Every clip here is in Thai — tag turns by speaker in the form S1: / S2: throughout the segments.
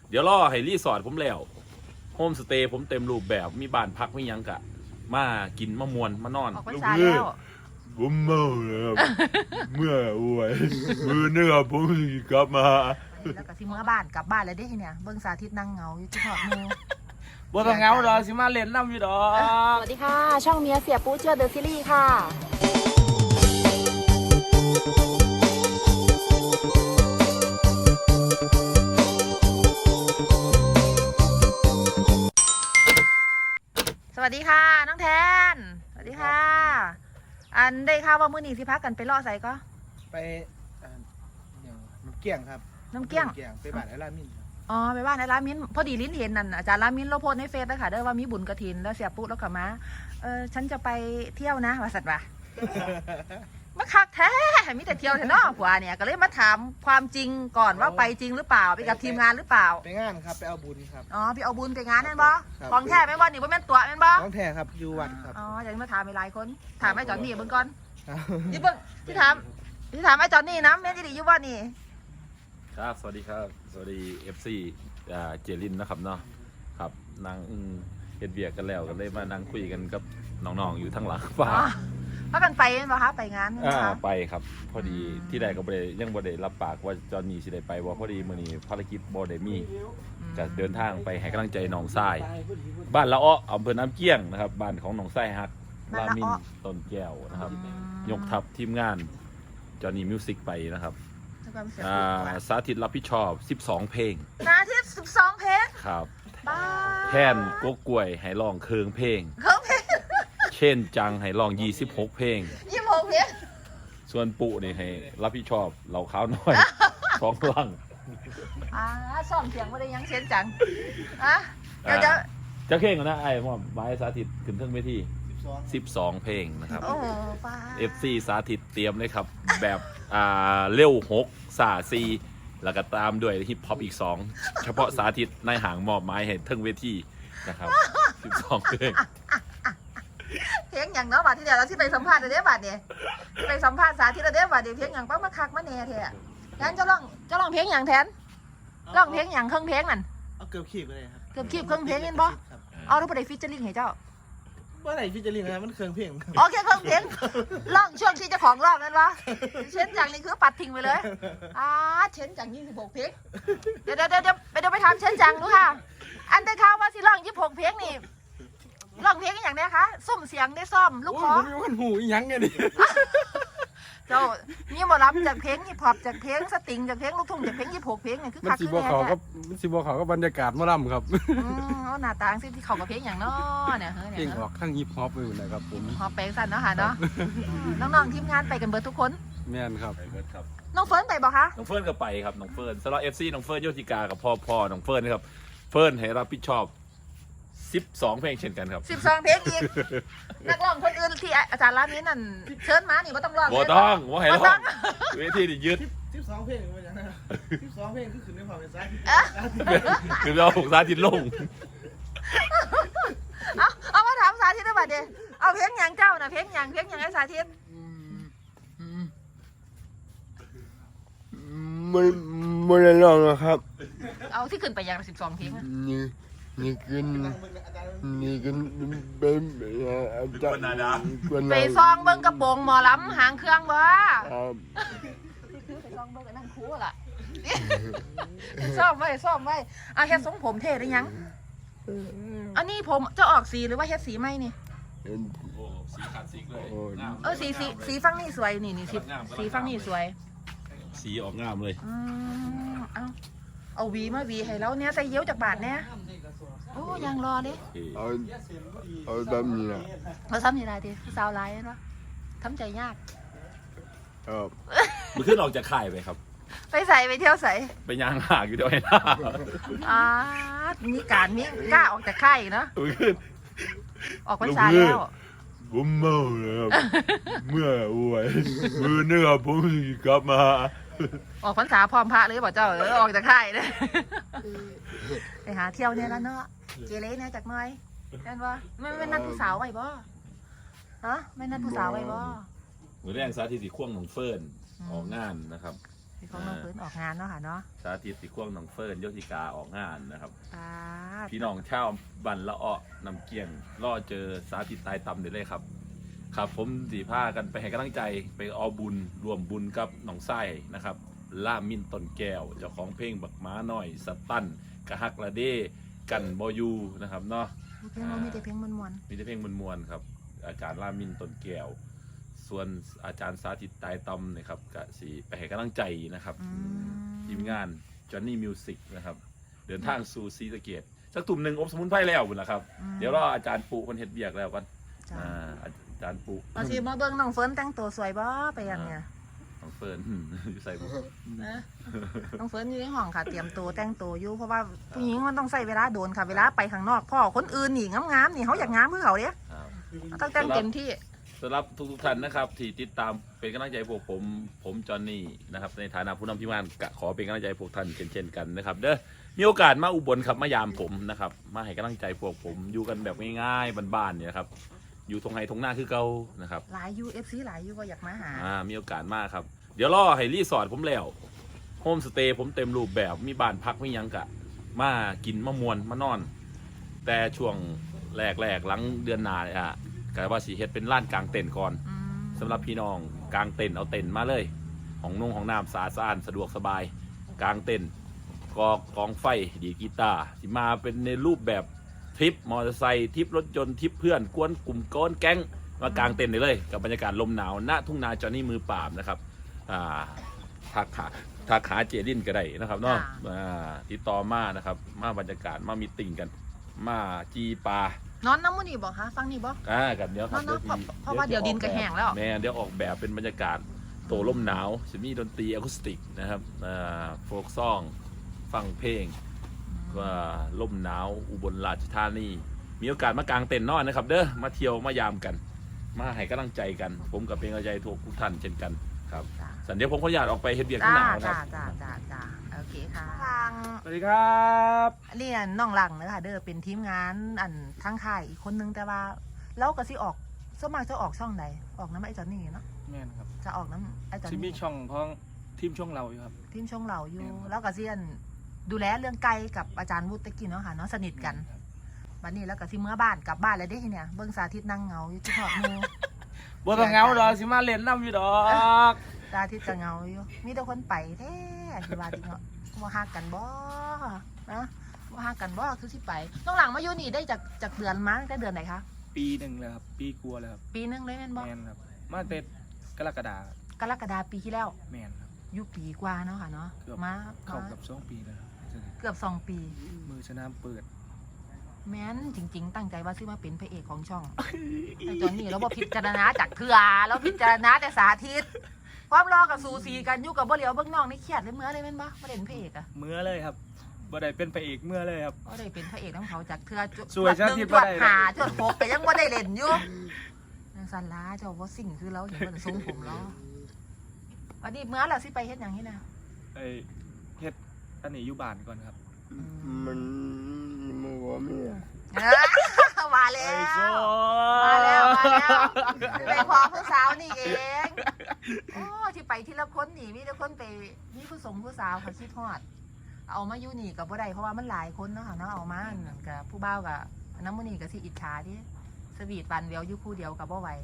S1: เดี๋ยวรอให้รีสอร์ทผมแล้วโฮมสเตย์ผมเต็มรูปแบบมีบ้านพักมียังกะมากินมามวนมานอน
S2: ออกพรรษาแล้ว
S3: ผมเมาแล้วเมื่ออวยมือเนื้อผมกลับมา
S2: แล้วก็สิเมื่อบ้านกลับบ้านเลยได้เนี่ยเบิ่งสาธิตนั่งเหงาอยู่ที่หอดมู
S4: บ่ต้องเหงาดอกสิมาเล่นน้ำอยู่ดอก
S2: สวัสดีค่ะ ช่องเมียเสียปูเชื่อเดอะซีรีส์ค่ะสวัสดีค่ะน้องแทนสวัสดีค่ะ อันได้ข่าวว่ามื้อนี้สิพักกันไปเลาะไสก็
S4: ไปอย่างน้ำเกี้ยงครับ
S2: น้ำเกี้ยง
S4: ไปบ้านไอ้ลามินครับ
S2: อ๋อไปบ้านไอ้ลามินพอดีลิ้นเห็นนั่นอาจารย์ลามินเราโพสในเฟซแล้วค่ะเด้อว่ามีบุญกฐินแล้วเสียปุ๊แล้วก็มาฉันจะไปเที่ยวนะว่าสัตว์ว่ะมาคักแท้มีแต่เที่ยวแท้เนาะผัวเนี่ยก็เลยมาถามความจริงก่อนว่าไปจริงหรือเปล่าไปกับทีมงานหรือเปล่า
S4: ไปงานครับไปเอาบุญครับ
S2: อ๋อพี่เอาบุญไปงานนั่นบ่
S4: ครับ
S2: ของแท้แม่นบ่นี่บ่แม่นตัวแม่นบ่
S4: น้องแท้ครับอยู่วัดครับ
S2: อ๋ออยากมาถามหลายคนถามไอ้จอนนี่เบิ่งก่อน
S4: ครับ
S2: นี่เบิ่งที่ถามไอ้จอนนี่นะแม่นดีอยู่บ่นี่
S1: ครับสวัสดีครับสวัสดี FC เจรินนะครับเนาะครับนั่งเฮ็ดเบียกกันแล้วก็เลยมานั่งคุยกันกับน้องๆอยู่ทั้งหลังฟ้า
S2: อ๋อพากันไปแม่นบ่คะไปงานแม่นบ่คะ
S1: ไปครับพอดีที่ใดก็บ่ได้ยังบ่ได้รับปากว่าจอนนี่สิได้ไปบ่พอดีมื้อนี้ภารกิจบ่ได้มีก็เดินทางไปให้กำลังใจน้องทรายบ้านละอ้ออำเภอน้ำเกี้ยงนะครับบ้านของน้องทรายฮักลามินต้นแก้วนะครับยกทัพทีมงานจอนนี่มิวสิกไปนะครับสาธิตรับผิดชอบ12เพลง
S2: นาที่12เพลง
S1: ครับ
S2: บ้า
S1: แทนกกกล้วยให้ร้องเคืองเพลง
S2: เครื่องเพลง
S1: เช่นจังให้ร้อง26เพลง
S2: 26เพลง
S1: ส่วนปุนี่ให้รับผิดชอบเหล่าขาวน้อย ของลัง
S2: ซ่อมเสียงบ่ได้ยังเสียงจังอ่ะเดี๋ยวจะ
S1: จะเพลงกันนะไอ้หมอมบายสาธิตขึ้นเทิงเวที12 เพลงนะครับ
S2: โอ้ป้า
S1: FC สาธิตเตรียมเลยครับ แบบเร็ว6ซ่า4แล้วก็ตามด้วยฮิปฮอปอีก2เฉพาะสาธิตในห่างมอบไม้ให้เทิงเวทีนะครับ12เพลง
S2: เพลงอย่างเนาะบัดที่เดี๋ยวเราที่ไปสัมภาษณ์เด้อบัดเนี่ยไปสัมภาษณ์สาธิตเด้อบัดเดี๋ยวเพลงอย่างป้ามาคักมาแน่แท้งั้นเจะร้องเพลงอย่างแทนร้องเพลงอย่างเครื่องเพลงนั่น
S4: เอาเกือบขีดไปเลยครับ
S2: เกือบคีบเครื่องเพลงเห็นบ่
S4: ครับ
S2: เอาแล้วบ่ได้ฟีเจอริ่งให้เจ้า
S4: ว่าไหนพี่จะเรียนอะไรมันเครื่องเพลงครับ
S2: โอเคเครื่องเพลงร้องช่วงที่เจ้าของร้องนั่นวะเช่นจังนี่คือปัดทิ้งไปเลยเช่นจัง26เพลงเดี๋ยวไปถามเช่นจังดูค่ะ อันได้ข่าวว่าสิร้อง26เพลงนี่ร้องเพลงอย่างเนี้ยคะซุ่มเสียงได้ซ่อมลูกคอ
S4: ผมมีวันหูอีหยังไงดิ
S2: เจ้านี่หมอรับจากเพลงฮิปฮอปจากเพลงสตริงจากเพลงลูกทุ่งจากเพลง26เพลงนี่คือ
S5: มัน
S2: คัก
S5: สิ
S2: คือ
S5: บ่
S2: แน่
S5: เขา
S2: เนี่
S5: ก็
S2: ย
S5: มันสิบ่เขาก็บรรยากาศหมอลำครับ
S2: เอาหน้าตาสิที่เขากับเพลงอย่างเนาะเนี่ยเฮ้ย
S5: เพลง
S2: เนี่ย
S5: ออกข้างฮิปฮอปไปหมดเลยครับผม
S2: ฮอปแปลงสั้นเนาะค่ะเนาะน้องๆทีมงานไปกันเบิดทุกคน
S5: แม่นครับ
S1: ไปเบิดครับ
S2: น้องเฟิร์นไปบอกคะ
S1: น้องเฟิร์นก็ไปครับน้องเฟิร์นสำหรับ FC น้องเฟิร์นโยธิกากับพ่อน้องเฟิร์นนะครับเฟิร์นให้รับผิดชอบ12เพลงเช่นกันครับ
S2: 12เพลงอีกนักร้องคนอื่นที่อาจารย์ร้านนี้นั่นเชิญมานี่ว่าต้องร้อง
S1: บ่ต้องว่าให้
S2: บ่
S1: ร้
S2: ต้
S1: อ
S2: อง ง
S1: เวทีนี่ยึด
S4: 12เพลงมาจากไหน12เพลงคือขึ้นในความเป็นซ้าย
S1: คือเราสาธิตลง
S2: เอามาถามสาธิตได้ป่ะเดี๋ยวเอาเพลงอย่างเจ้าน่ะเพลงอย่างไอ้สาธิต
S3: ไม่ได้ลองนะครับ
S2: เอาที่ขึ้นไปอย่าง12เพลงอะ
S3: นี่ขึ้นเป็นอาจารย์
S2: ไปซองเบิ่งกระโปรงหมอลำหางเครื่องบ่
S3: ครับ
S2: ไปซองเบิ่งกับนั่งคูล่ะซ่อมไว้เฮ็ดทรงผมเท่ได้ยังอันนี้ผมจะออกสีหรือว่าเฮ็ดสีไหมนี่
S1: โอ้สีขาดสีเลย
S2: สีฟังนี่สวยนี่สีฟังนี่สวย
S1: สีออกงามเลย
S2: เอาหวีมาหวีให้แล้วเนี่ยใส่เยิ้วจากบาทเนี่ยโอ้ยังรอเลย
S3: เอาแบบนี้นะ
S2: เราทำยังไงดีสาวไลน์วะทำใจยาก
S3: ครับ
S1: มันขึ้นออกจากค่ายไปครับ
S2: ไปใส่ไปเที่ยวใส่
S1: ไปย่างหากอยู่ด้วยนะ
S2: มีการมีกล้าออกจากค่ายอีกเนาะ
S1: มันขึ้น
S2: ออกพรรษาแล้ว
S3: ผมเมาแล้วเมื่ออวยมือเนื้อผมกลับมา
S2: ออกพรรษาพร้อมพระเลยบอกเจ้าออกจากค่ายเลยไปหาเที่ยวเนี่ยแล้วเนาะเกเรเนี่ยจากหน้อยเห็นว่าไม่นัดผู้สาวไว้บ่ฮะไม่นัดผู้สาวไว้บ่
S1: มือแรงสาธิตสีข่วงของเฟิร์นออกงานนะครับ
S2: ที่ของน้องเฟิร์นออกงานเนาะค่ะเนาะ
S1: สาธิตสิควงน้องเฟิร์นโยธิกาออกงานนะครับ
S2: อ่า
S1: พี่น้องชาวบันละอ้อนำเกียงล่อเจอสาธิตตายตำเดี๋ยวเลยครับ ครับผมสีผ้ากันไปให้กำลังใจไปเอาบุญรวมบุญกับน้องไส้นะครับล่ามินต้นแก้วเจ้าของเพลงบักม้าหน่อยสตันกะฮักละเด้กันบอยูนะครับเนาะ
S2: เพลงเรามีแต่เพลงมวน
S1: มีแต่เพลงมวลๆครับอาจารย์ล่ามินต้นแก้ว ส่วนอาจารย์สาธิตตายตำนะครับกะสีไปให้กำลังใจนะครับ
S2: ๆอืม
S1: ทีมงาน Johnny Music นะครับเดินทางสู่ศรีสะเกษสักตุ่มหนึ่งอบสมุนไพรแล้วบุญละครับ เดี๋ยวรออาจารย์ปุคนเฮ็ดเบียกแล้วกัน
S2: จ้ะ
S1: อาจารย์ปุ
S2: เอาสิมาเบิ่งน้องเฟิร์นแต่งตัวสวยบ่ไปยังเนี่ย
S1: น้องเฟิร์น อยู่ใส่บุ
S2: นะน้องเฟิร์นอยู่ในห้องค่ะเตรียมตัวแต่งตัวอยู่เพราะว่าผู้หญิงมันต้องใช้เวลาโดนค่ะเวลาไปข้างนอกพ่อคนอื่นนี่งามๆนี่เขาอยากงามเพื่อเขาเด้
S1: ครับ
S2: ต้องแต่งเต็มที่
S1: สำหรับทุกๆท่านนะครับที่ติดตามเป็นกำลังใจพวกผมจอห์นนี่นะครับในฐานะผู้นำทีมงานกะขอเป็นกำลังใจพวกท่านเช่นกันนะครับเด้อมีโอกาสมาอุบลครับมายามผมนะครับมาให้กำลังใจพวกผมอยู่กันแบบง่ายๆบ้านๆเนี่ยครับอยู่ตรงไห้ตรงหน้าคือเก่านะครับ
S2: หลายยูเอฟซีหลายยูก็อยากมาหา
S1: มีโอกาสมากครับ เดี๋ยวรอให้รีสอร์ทผมแล้วโฮมสเตย์ผมเต็มรูปแบบมีบ้านพักมีหยังกะ มากินมามวนมานอน แต่ช่วงแรกหลังเดือนหน้าเนี่ยกะว่าสีเฮ็ดเป็นลานกลางเต็นท์ก่อน
S2: อืม
S1: สำหรับพี่น้องกลางเต็นท์เอาเต็นท์มาเลยของนุ่งของน้ำสะอาดสะอ้านสะดวกสบายกลางเต็นท์กองไฟดีดกีตาร์ที่มาเป็นในรูปแบบทริปมอเตอร์ไซค์ทริปรถยนต์ทริปเพื่อนกวนกลุ่มก้อนแก๊งมากลางเต็นท์ได้เลยกับบรรยากาศลมหนาวณทุ่งนาจอห์นนี่มือปราบนะครับทักหาเจดินก็ได้นะครับเนาะติดต่อมานะครับมาบรรยากาศมามีติ่งกัน มาจีปลาน
S2: อนน้ำมูนี่บอกคะฟังนี่บอก
S1: กับเดี๋ยวครับ
S2: เนาะเพราะว่าเดี๋ยวดินก็แห้งแล้ว
S1: แม่เดี๋ยวออกแบบเป็นบรรยากาศโตลมหนาวจะมีดนตรีอะคูสติกนะครับโฟกซองฟังเพลงก็ลมหนาวอุบลราชธานีมีโอกาสมากางเต็นท์นอนนะครับเด้อมาเที่ยวมายามกัน มาให้กำลังใจกัน ผมกับเป็นกำลังใจทุกท่านเช่นกันครับ
S2: จ้า
S1: สันเดี๋ยวผมขออนุญาตออกไปเฮ็ดเบียร์ข้างหน้าค
S2: จ้า
S1: รับ
S2: จ้าโอเคค่ะฟัง
S5: สวัสดีครับ
S2: เรียนน้องหลังนะคะเด้อเป็นทีมงานอันทั้งค่ายอีกคนนึงแต่ว่าแล้วก็สิออกส่วนมากจะออกช่องใดออกน้ำไอ้จอนนี่เนาะ
S5: แม่นครับ
S2: จะออกน้ำไอ้จอน
S5: ซิมี
S2: นี่
S5: ช่องพ้องทีมช่องเราอยู่ครับ
S2: ทีมช่องเราอยู่
S5: แม่นครับ
S2: แล้วก็เซียนดูแลเรื่องไก่กับอาจารย์วุฒิตะกี้เนาะค่ะเนาะสนิทกัน
S5: ครับ
S2: วันนี้แล้วก็สิเมื่อบ้านกลับบ้านแล้วเด้ทีเนี่ยเบิ่งสาธิตนั่งเหงาอยู่ที่หอดหมู
S5: บ่ต้องเหงาดอกสิมาเล่นน้ำอยู่ดอก
S2: สาธิตก็เหงาอยู่มีแต่คนไปแท้ที่ว่าที่เนาะบ่ฮักกันบ่นะบ่ฮักกันบ่คือสิไปน้องหลังมาอยู่นี่ได้จากเดือนมาตั้งแต่เดือนไหนคะ
S5: ปีหนึ่งเลยครับ ปีกลัวเลยครับ
S2: ปีนึงเลยแม่นบ่
S5: แม่นครับ มาเต็ดกรกฎาคม
S2: กรกฎาปีที่แล้ว
S5: แม่นครับ
S2: อยู่ปีกว่าเนาะค่ะเนาะ
S5: เกือบ
S2: มา
S5: เข้ากับ2 ปีแล้วครับ
S2: เกือบ2 ปี
S5: มือชนะเปิด
S2: แม้นจริง ๆ ตั้งใจว่าซื้อมาเป็นพระเอกของช่อง แต่ตอนนี้เราบ่พิจารณาจากเถื่อเราพิจารณาแต่สาธิต ความรอกับสูสีกันอยู่กับบ่เหลียวเบิ่งน้องนี่เครียดเลยเมื่อเลยแม่นบ่บ่ได้เป็นพระเอกอะ
S5: เมื่อเลยครับบ่ได้เป็นพระเอกเมื่อเลยครับ
S2: บ่ได้เป็นพระเอกน้ำเขาจากเถื่อจุด
S5: สวยชาติ
S2: หนึ่ง
S5: บ่
S2: จวด
S5: ได้
S2: หาจวดหกแต่ยังบ่ได้เล่นอยู่นางสันลาเจ้าบ่สิ่งคือเราเห็นมันทรงผมเราวันนี้เมื่อเราสิไปเฮ็ดหยังนี่นะ
S5: ไอ้เฮ็ดอันนี้อยู่บ้านก่อนครับ
S3: มันมัวเมีย
S2: มาแล้
S5: ไอ้โซ
S2: ว มาแล้วไปพอผู้สาวนี่เองโอ้ที่ไปที่ละคนนี่มีแต่คนไปมีผู้สงผู้สาวเขาคิดฮอด เอามาอยู่นี่กับบ่ได้เพราะว่ามันหลายคนเนาะค่ะเนาะเอามากับผู้บ่าวกับน้ำมันนี่กับสิอิจฉาที่สวีทวันเวียวอยู่คู่เดียวกับบ่ไหว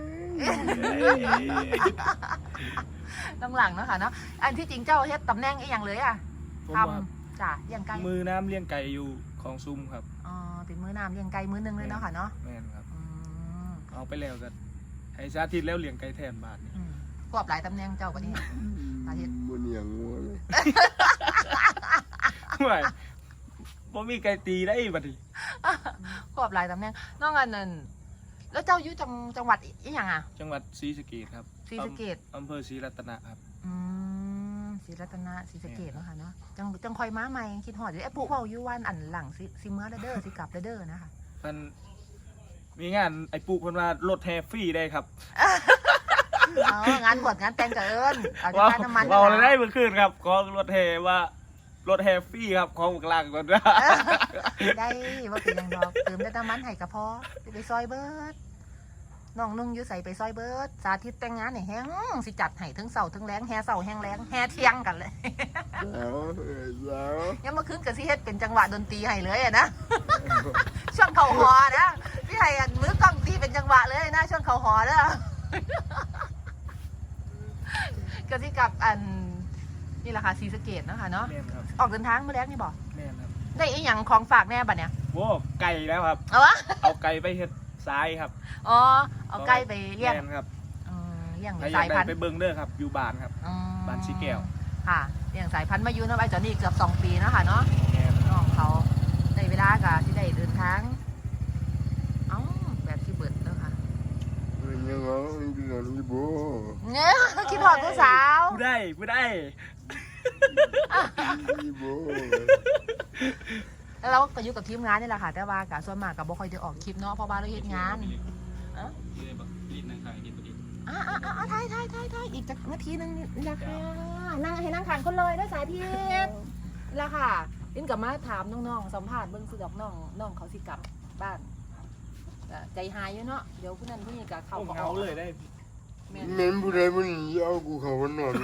S2: ต้องหลังเนาะค่ะเนาะอันที่จริงเจ้าเฮ็ดตำแหน่งอีหยังเลยอ่ะ
S5: ผม
S2: ท
S5: ว่า
S2: ำจ้ะเลี้ยงไก่
S5: มือน้ำเลี้ยงไก่อยู่ของซุ่มครับ
S2: อ๋อเป็นมือน้ำเลี้ยงไก่มือนึงเลยเนาะค่ะเนาะ
S5: แม่นครับ
S2: อืม
S5: เอาไปแล้วกันให้สาธิตแล้วเลี้ยงไก่แทนบ้านนี่
S2: อืมควบหลายตำแหน่งเจ้าปะนี่ อาทิตย์
S3: มันอย่างงัวเลย
S5: ไม่บ่มีไก่ตีได้บัดนี้
S2: ควบหลายตำแหน่งน้องอันนั้นแล้วเจ้าอยู่จังหวัดอีหยังอ่ะ
S5: จังหวัดศรีสะเกษครับ
S2: ศรีสะเกษ
S5: อำเภอศรีรัตนะครับ
S2: อืมศรีรัตนะศรีสะเกษเนาะค่ะเนาะจังคอยม้าใหม่คิดหอดอยู่ไอ้ปุ๊เว้าอยู่วันอันหลังสิเมื่อเด้อสิกลับเด้อนะคะ
S5: มันมีงานไอ้ปุ๊เพิ่นว่ารถแฮฟรี่ได้ครับ
S2: อ๋องานบวชงานแต่งกับเอิญเอาจะ
S5: ว้าว
S2: การน้ำมัน
S5: ว้าวเลยได้เมื่อคืนครับของรถแฮว่ารถแฮฟรี่ครับของกลางก่อนว่า
S2: ได้ว่าเป็นหยังดอกเติมได้น้ำมันให้กับพอจะไปซอยเบิร์ดน้องนุ่งอยู่ใส่ไปซอยเบิร์ดสาธิตแต่งงานเนี่ยแฮงสิจัดให้ทั้งเสาทั้งแรงแฮเสาแฮงแรงแฮเที่ยงกันเลย
S3: แล้ว
S2: ยังมาขึ้นกับสิเฮ็ดเป็นจังหวะดนตรีให้เลยอะนะ ช่วงเขาหอนะพี่ให้อันมือกล้องตีเป็นจังหวะเลยนะช่วงเขาหอเด้อ ก็สิกับอันนี่แหละค่ะศรีสะเกษนะคะเนาะ
S5: แม่นครับ
S2: ออกเดินทางเมื่อแรกนี่บอก
S5: แม่นครับ
S2: ได้อีหยังของฝากแน่บัดเนี่ย
S5: โว้ไก่แล้วครับ
S2: เอาวะ
S5: เอาไก่ไปเฮ็ดทรายครับ
S2: อ๋อเอาใกล้ไปเลี้ยง
S5: แม่นครับ
S2: เลี้ยง
S5: ใครอยา
S2: สาก ย
S5: ได้
S2: พันธุ์
S5: ไปเบิ่งเด้อครับ อยู่บ้านครับ
S2: อืม
S5: บ้านสีแก้ว
S2: ค่ะเลี้ยงสายพันธุ์มาอยู่เนาะไอ้จอนี่เกือบ2 ปีเนาะค่ะเนาะ
S5: แม่น
S2: น้องเขาได้เวลากะที่ได้เดินทางเอ้าแบบที่เบิดแล้วค่ะ
S3: ยังไงกันนี่บ่
S2: เนี่ยคิดหอดผู้สาว
S5: ผู้ได้ผู้ได้
S3: นี่บ่
S2: แล้วเราก็อยู่กับทีมงานนี่แหละค่ะ แต่ว่ากะส่วนมากกับบ่ค่อยได้ออกคลิปเนาะเพราะว่าเราเฮ็ดงานถ่ายอีกจักนาทีนึงนี่แหละค่ะนั่งให้นั่งขานคนเลยได้สายทิพย์นี่แหละค่ะลินกับมาถามน้องๆสัมภาษณ์เบิ่งสิดอกน้องเขาสิกลับบ้านก็ใจหายอยู่เนาะเดี๋ยวผู้นั้นผู้นี้ก็เข้า
S5: โอ้
S2: ก็อ
S5: เงา
S2: อก
S5: เลยได้
S2: แม่น
S3: แม่นผู้ใดมันเอากูเข้านอน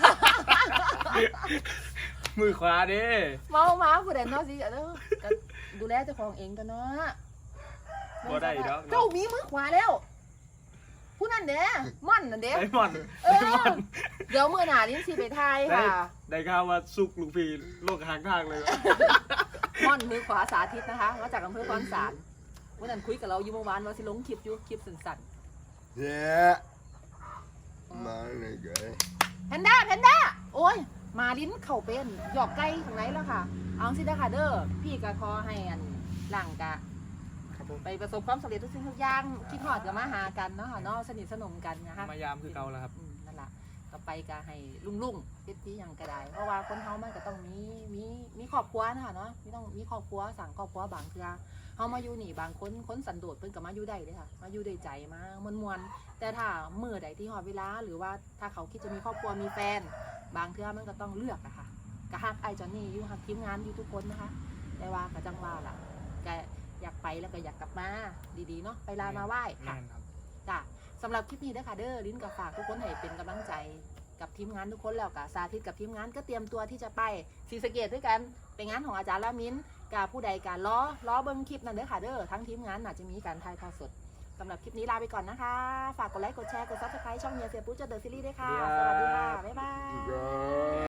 S5: มือขวาเด้
S2: เมามาผู้ใดเนาะสิก็ดูแลเจ้าของเองกันเนาะ
S5: บ่ได้ดอก
S2: เจ้ามีมือขวาแล้ว ผู้นั้นเด้ม่อนนั่นเด้
S5: ไดมอนด์
S2: เออเดี๋ยวมื้อหน้าลิ้นสิไปทายค่ะ
S5: ได้ข่าวว่าสุกลูกพีโลกหางทางเลย
S2: ม่อนมือขวาสาธิตนะคะมาจากอำเภอคอนสารวันนั้นคุยกับเราอยู่เมื่อวานว่าสิลงคลิปอยู่คลิปสั้น
S3: แย่มาเลยไง
S2: ๆแพนด้าโอ้ยมาลิ้นเข่าเป็นหยอกไก่ทางไหนแล้วค่ะ เอาสิเด้อค่ะเด้อพี่ก็ขอให้อันหลังกะไปประสบความสำเร็จทุกสิ่งทุกอย่างคิดฮอดก็มาหากันเนาะค่ะเนาะสนิทสนมกันนะคะ
S5: มายามคือเก่าแล้วครับ
S2: นั่นแหละก็ไปก็ให้ลุ่งๆเฮ็ดที่หยังก็ได้เพราะว่าคนเฮามันก็ต้องมีครอบครัวนะคะเนาะมีต้องมีครอบครัวสั่งครอบครัวบางเทื่อเฮามาอยู่นี่บางคนสันโดษเพิ่นก็มาอยู่ได้เด้อค่ะมาอยู่ด้วยใจมามวนๆแต่ถ้ามื้อใดที่ฮอดเวลาหรือว่าถ้าเขาคิดจะมีครอบครัวมีแฟน บางเทื่อมันก็ต้องเลือกอะค่ะก็ฮักไอ้จอนนี่อยู่ฮักทีมงานอยู่ทุกคนนะคะแต่ว่าก็จังว่าล่ะก็อยากไปแล้วก็อยากกลับมาดีๆเนาะไปลามาไหว้ค่ะ
S5: แม่นครับ
S2: จ้ะสำหรับคลิปนี้เด้อค่ะเด้อลิ้นกับฝากทุกคนให้เป็นกำลังใจกับทีมงานทุกคนแล้วกับสาธิตกับทีมงานก็เตรียมตัวที่จะไปศรีสะเกษด้วยกันเป็นงานของอาจารย์ละมิ้นกับผู้ใดการล้อเบิ้งคลิปนั่นเด้อค่ะเด้อทั้งทีมงานอาจจะมีการถ่ายทอดสดสำหรับคลิปนี้ลาไปก่อนนะคะฝากกดไลค์กดแชร์กดซับสไครต์ช่องเฮียเสียปุ๊จะเดอะซีรีส์ด้วยค่ะสวัสดีค่ะบ๊ายบาย